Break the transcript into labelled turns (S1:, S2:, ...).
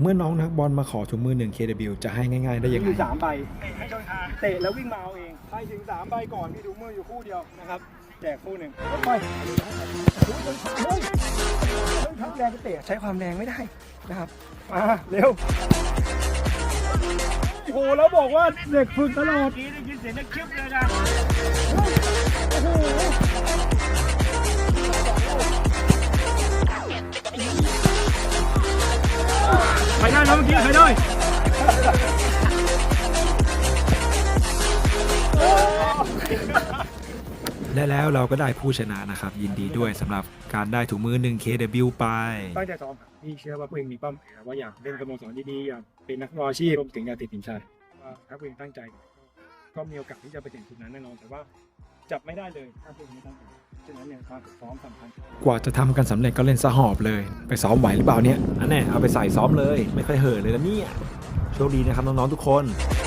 S1: เมื่อน้องนักบอลมาขอถุงมือ1 KW จะให้ง่ายๆได้ยังไง
S2: มี3 ใบให้ช่องทางเตะแล้ววิ่งมาเอาเองไปถึง3 ใบก่อนมีถุงมืออยู่คู่เดียวนะครับแจกคู่หนึ่งไปเฮ้ยทับแรงจะเตะใช้ความแรงไม่ได้นะครับมาเร็วโอ้โหแล้วบอกว่าเด็กฝึกตลอดได้ยินเสียงนักคลิปเลยนะโอ้โหใครได้นะเมื่อกี้ใครได้
S1: และแล้วเราก็ได้ผู้ชนะนะครับ ยินดีด้วยสำหรับการได้ถุงมือ1 KW ไป
S2: ตั้งใจซ้อมครับพี่เชื่อว่าตัวเองมีเป้าหมายว่าอยากเล่นสโมสรดีๆอยากเป็นนักบอลอาชีพรวมถึงอยากติดทีมชาติถ้าตัวเองตั้งใจก็มีโอกาสที่จะไปถึงจุดนั้นแน่นอนแต่ว่าจับไม่ได้เลยถ้าตัวเองไม่ตั้งใจฉะนั้นเนี่ยการฝึกซ้อมสำคัญ
S1: กว่าจะทำกันสำเร็จก็เล่นสะหอบเลย ไปซ้อมไหวหรือเปล่าเนี่ยอันแน่เอาไปใส่ซ้อมเลย ไม่เคยเห่อะเลยนะเนี่ยโชคดีนะครับน้องๆทุกคน